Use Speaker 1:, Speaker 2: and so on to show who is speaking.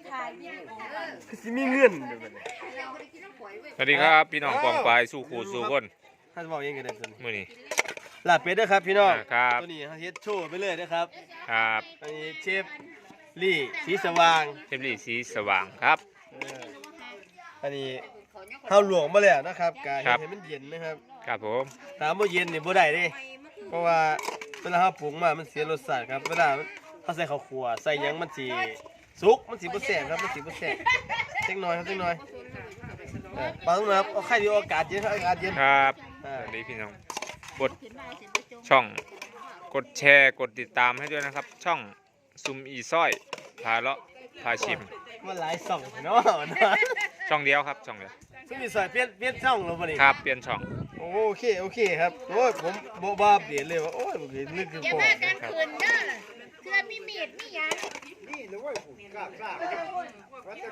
Speaker 1: สิมีเงิน
Speaker 2: สวัสดีครับพี่น้องกองปลายสู่ขู่สู่คน
Speaker 1: ท่านบอกเองกันได้ตัวนี้
Speaker 2: มื้อนี้
Speaker 1: ลาบเป็ดด้วยครับพี่น้อง
Speaker 2: ครับ
Speaker 1: ตัวนี้เขาเฮ็ดโชว์ไปเลยนะครับ
Speaker 2: ครับ
Speaker 1: อันนี้เชฟลี่สีสว่าง
Speaker 2: เทปลีสีสว่างครับ
Speaker 1: อันนี้เฮาหลวงมาแล้วนะครับกา
Speaker 2: ครั
Speaker 1: เฮ็ด
Speaker 2: บ
Speaker 1: ให้มันเย็นนะครับ
Speaker 2: ครับผม
Speaker 1: ตามบ่เย็นนี่บ่ได้เด้เพราะว่าเวลาเฮาปรุงมามันเสียรสชาติครับเวลาเฮาใส่ข้าวคั่วใส่หยังมันสิสุกมันสิบ่แซ่บครับมันสิบ่แซ่บจักหน่อยครับจักหน่อยปาต้องนะครับเอาไข่ดีอากาศเย็นครับอากาศเย็น
Speaker 2: ครับสวัสดีพี่น้องกดช่องกดแชร์กดติดตามให้ด้วยนะครับ ช่องซุมอีซ้อยพาเลาะพาชิม
Speaker 1: มันหลายช่องเนาะ
Speaker 2: ช่องเดียวครับช่องเดียว
Speaker 1: ซึ่งมีสายเปลี่ยนช่องแล้วบ่นี่
Speaker 2: ครับเปลี่ยนช่อง
Speaker 1: โอเคครับโอ้ยผมบ่บ้าเปลี่ยนเลยว่าโอ้ยบ่เห็นนึกถึง
Speaker 3: อย่า
Speaker 1: พ่อ
Speaker 3: มากันคืนเด้อเพื่อมีมีดมีหยัง
Speaker 1: นี่เลยว่าผมกล้า